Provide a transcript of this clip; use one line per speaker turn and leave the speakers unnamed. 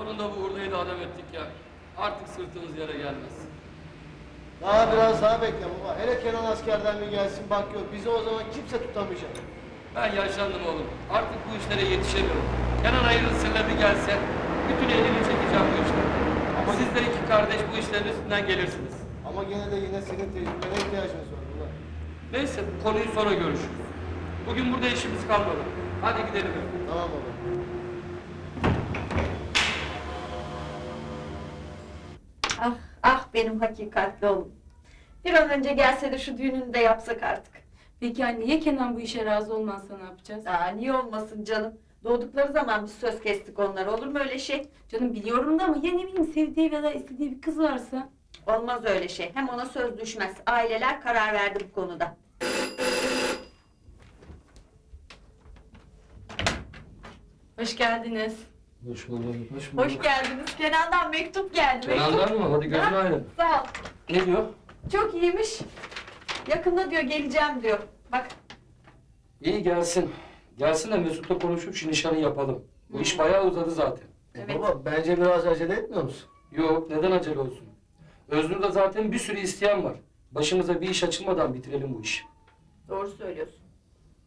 Sonunda bu hurdayı da adam ettik ya. Artık sırtımız yere gelmez.
Daha biraz daha bekle baba. Hele Kenan askerden bir gelsin bak yok. Bizi o zaman kimse tutamayacak.
Ben yaşlandım oğlum. Artık bu işlere yetişemiyorum. Kenan hayırlısıyla bir gelse bütün elini çekeceğim bu işlere. Ama siz de iki kardeş bu işlerin üstünden gelirsiniz.
Ama gene de yine senin tecrübene ihtiyacımız var baba.
Neyse bu konuyu sonra görüşürüz. Bugün burada işimiz kalmadı. Hadi gidelim.
Tamam baba.
Ah, ah benim hakikatli oğlum. Bir an önce gelse de şu düğününü de yapsak artık.
Peki anne ya Kenan bu işe razı olmazsa ne yapacağız?
Aa, niye olmasın canım? Doğdukları zaman biz söz kestik onlara. Olur mu öyle şey?
Canım biliyorum da ama ya ne bileyim sevdiği ya da istediği bir kız varsa?
Olmaz öyle şey. Hem ona söz düşmez. Aileler karar verdi bu konuda.
Hoş geldiniz.
Hoş bulduk, hoş bulduk.
Hoş geldiniz. Kenan'dan mektup geldi.
Kenan'dan mı? Hadi gözün aydın.
Sağ ol.
Ne diyor?
Çok iyiymiş. Yakında diyor geleceğim diyor. Bak.
İyi gelsin. Gelsin de Mesut'la konuşup şu nişanı yapalım. Bu iş bayağı uzadı zaten.
Evet.
Baba bence biraz acele etmiyor musun?
Yok, neden acele olsun? Öznur'da zaten bir sürü isteyen var. Başımıza bir iş açılmadan bitirelim bu işi.
Doğru söylüyorsun.